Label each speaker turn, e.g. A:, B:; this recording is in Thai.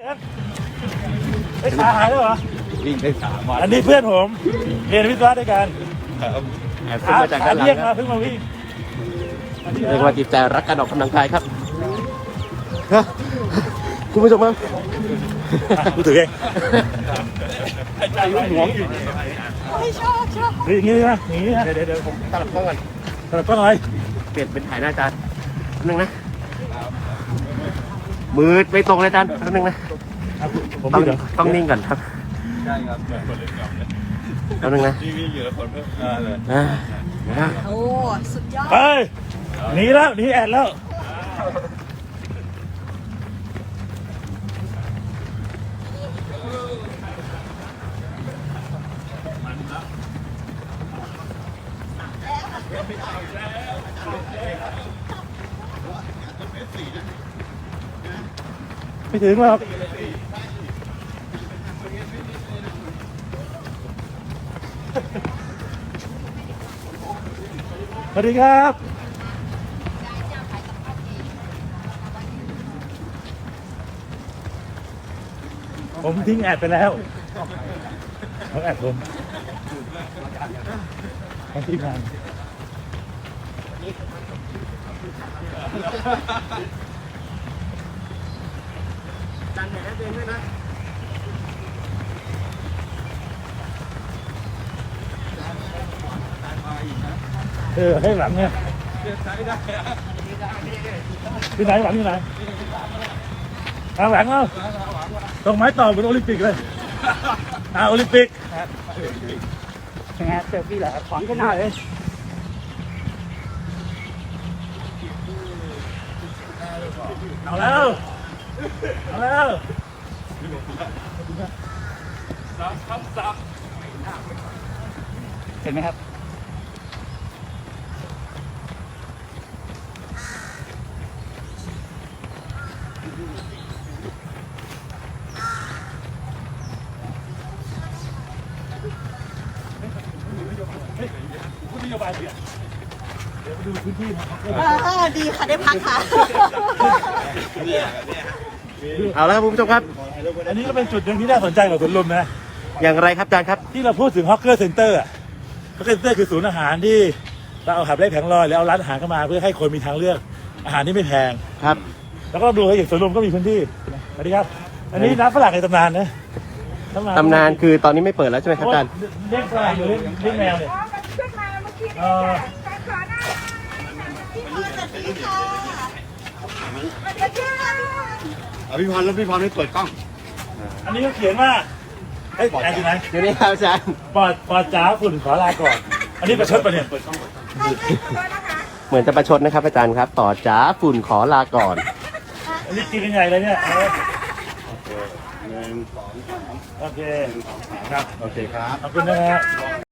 A: ไอ้ขาหายแล้วเหรอ
B: วิ่งได้3 วัน
A: อันนี้เพื่อนผมเรียนวิศวะด้วยกัน
B: แอบขึ้นมาจากด้านหลัง
A: เรียกมาเพิ่งมาวิ่ง
B: เรียกว่าจิตใจรักการออกกำลังกายครับคุณผู้ชมครับ
A: กูถือเอง
B: ใจยุ่งหวงอยู่
C: ไม่ชอบ
A: อย่างนี้นะอย่างนี้นะ
B: เดี๋ยวผมตลับกล้องก่อน
A: แต่ก็หน่อย
B: เปลี่ยนเป็นถ่ายหน้าจานนึงนะมือไม่ตรงเลยจานนึงนะต้องนิ่งก่อนครับใช่ครับแล้วนึงนะนี่อยู่แล้วคนเพิ่มเลย
C: โอ้สุดยอด
A: ไปหนีแล้วหนีแอดแล้วไม่ถึงหรอกสวัสดีครับผมทิ้งแอดไปแล้วเขาแอดผมเขาทิ้งงาน
B: จันแหนเองด้วยนะ
A: ให้หลังเนี่ยที่ไหนหลังที่ไหนทางหลังเอาตรงไม้ต่อเป็นโอลิมปิกเลยโอลิมปิกยังไงเซลฟี่แหละขวางกันหน่อยเอาแล้วเห็นไหมครับนโยบายเปลี่ยนเดี๋ยวไปดูพื้นที่นะครับ
C: ดีค่ะได้พักค่ะ
B: เอาแล้วครับคุณผู้ชมครับ
A: อันนี้ก็เป็นจุดหนึ่งที่น่าสนใจของสวนลุมนะ
B: อย่างไรครับอาจารย์ครับ
A: ที่เราพูดถึงฮอกเกอร์เซ็นเตอร์ฮอกเกอร์เซ็นเตอร์คือศูนย์อาหารที่เราเอาขับไล่แผงลอยแล้วเอาร้านอาหารเข้ามาเพื่อให้คนมีทางเลือกอาหารที่ไม่แพง
B: ครับ
A: แล้วก็ดูให้อย่างสวนลุมก็มีพื้นที่สวัสดีครับอันนี้น้ำฝรั่งในตำนานนะ
B: ตำนานคือตอนนี้ไม่เปิดแล้วใช่ไหมครับอาจารย์
A: เลี้ยงฝรั่งหรือเลี้ยงแมวเนี่ย
C: ขึ้นมาเมื่อกี้
B: พี่พรแล้วพี่พรไม่เปิดกล้อง
A: อันนี้เขาเขียนว่าไอ้แอนอยู่ไหน
B: เดี๋ยวนี้ครับอาจารย์
A: ปอดจ๋าฝุ่นขอลาก่อนอันนี้ประชดปะเนี่ย
B: เหมือนจะประชดนะครับอาจารย์ครับต่อจ๋าฝุ่นขอลาก่อน
A: อันนี้กินกันใหญ่เลยเนี่ยโอเคครับ
B: โอเคครับ
A: ขอบคุณนะครับ